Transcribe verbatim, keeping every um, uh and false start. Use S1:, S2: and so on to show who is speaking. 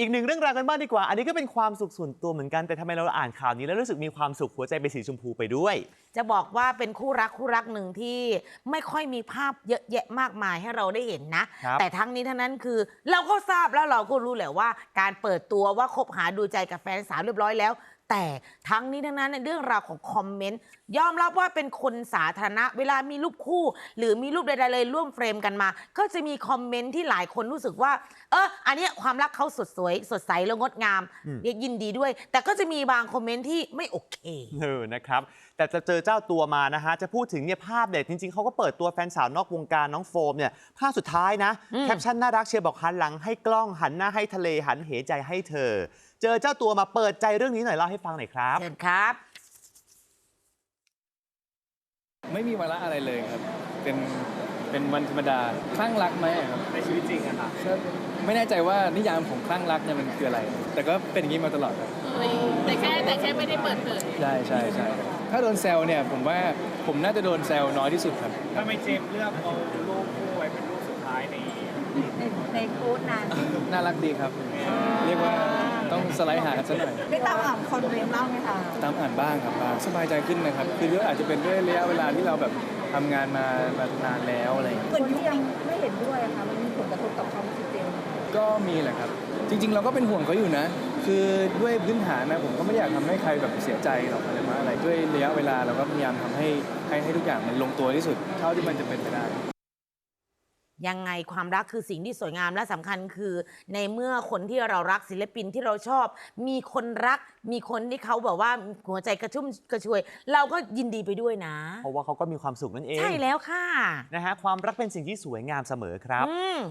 S1: อีกหนึ่งเรื่องราวกันบ้างดีกว่าอันนี้ก็เป็นความสุขส่วนตัวเหมือนกันแต่ทำไมเราอ่านข่าวนี้แล้วรู้สึกมีความสุขหัวใจเป็นสีชมพูไปด้วย
S2: จะบอกว่าเป็นคู่รักคู่รักหนึ่งที่ไม่ค่อยมีภาพเยอะแยะมากมายให้เราได้เห็นนะแต่ทั้งนี้ทั้งนั้นคือเราก็ทราบแล้วเราก็รู้แหละว่าการเปิดตัวว่าคบหาดูใจกับแฟนสาวเรียบร้อยแล้วแต่ทั้งนี้ทั้งนั้นในเรื่องราวของคอมเมนต์ยอมรับว่าเป็นคนสาธารณะเวลามีรูปคู่หรือมีรูปใดๆเลยร่วมเฟรมกันมาก็จะมีคอมเมนต์ที่หลายคนรู้สึกว่าเอออันนี้ความรักเขาสดสวยสดใสและงดงามเรียกยินดีด้วยแต่ก็จะมีบางคอมเมนต์ที่ไม่โอเค
S1: เออนะครับแต่จะเจอเจ้าตัวมานะฮะจะพูดถึงเนี่ยภาพเด็ดจริงๆเขาก็เปิดตัวแฟนสาวนอกวงการน้องโฟมเนี่ยภาพสุดท้ายนะแคปชั่นน่ารักเชียร์บอกหันหลังให้กล้องหันหน้าให้ทะเลหันเหใจให้เธอเจอเจ้าตัวมาเปิดใจเรื่องนี้หน่อยเล่าให้ฟังหน่อยครับ
S2: เชิญครับ
S3: ไม่มีวาระอะไรเลยครับเป็นเป็นวันธรรมดาคลั่งรักไหมครับ
S1: ในชีวิตจริงอะครับ
S3: ไม่แน่ใจว่านิยามของคลั่งรักเนี่ยมันคืออะไรแต่ก็เป็นอย่างนี้มาตลอดครับ
S4: แต่แค่แต่แค่ไม่ได้เปิดเผย
S3: ใช่ใช่ใช่ถ้าโดนแซวเนี่ยผมว่าผมน่าจะโดนแซวน้อยที่สุดครับ
S1: ถ้าไม่เจมเลือกเอารูปคู่ไว้เป็นรูปสุดท้ายใน
S4: ในโค้ดนั้น
S3: น่ารักดีครับเรียกว่าต้องสไลด์หากันสักหน่อย
S4: ได้ตามอ่านคอมเมนต์บ้างไหมคะ
S3: ตามอ่านบ้างครับบ้างสบายใจขึ้นนะครับคือเรื่องอาจจะเป็นด้วยระยะเวลาที่เราแบบทำงานมามานานแล้วอะไรอย่างเงี้ย
S4: คนที่ยังไม่เห็นด้วยอะค่ะมันมีผลกระทบต่อความรู้สึกเจม
S3: ก็มีแหละครับจริงๆเราก็เป็นห่วงเขาอยู่นะคือด้วยพื้นฐานนะผมก็ไม่อยากทำให้ใครแบบเสียใจหรอกอะไรมาอะไรด้วยระยะเวลาเราก็พยายามทำให้ให้ให้ทุกอย่างมันลงตัวที่สุดเท่าที่มันจะเป็นไปได้
S2: ยังไงความรักคือสิ่งที่สวยงามและสำคัญคือในเมื่อคนที่เรารักศิลปินที่เราชอบมีคนรักมีคนที่เขาแบบว่าหัวใจกระชุ่มกระชวยเราก็ยินดีไปด้วยนะ
S1: เพราะว่าเขาก็มีความสุขนั่นเอง
S2: ใช่แล้วค่ะ
S1: นะฮะความรักเป็นสิ่งที่สวยงามเสมอครับ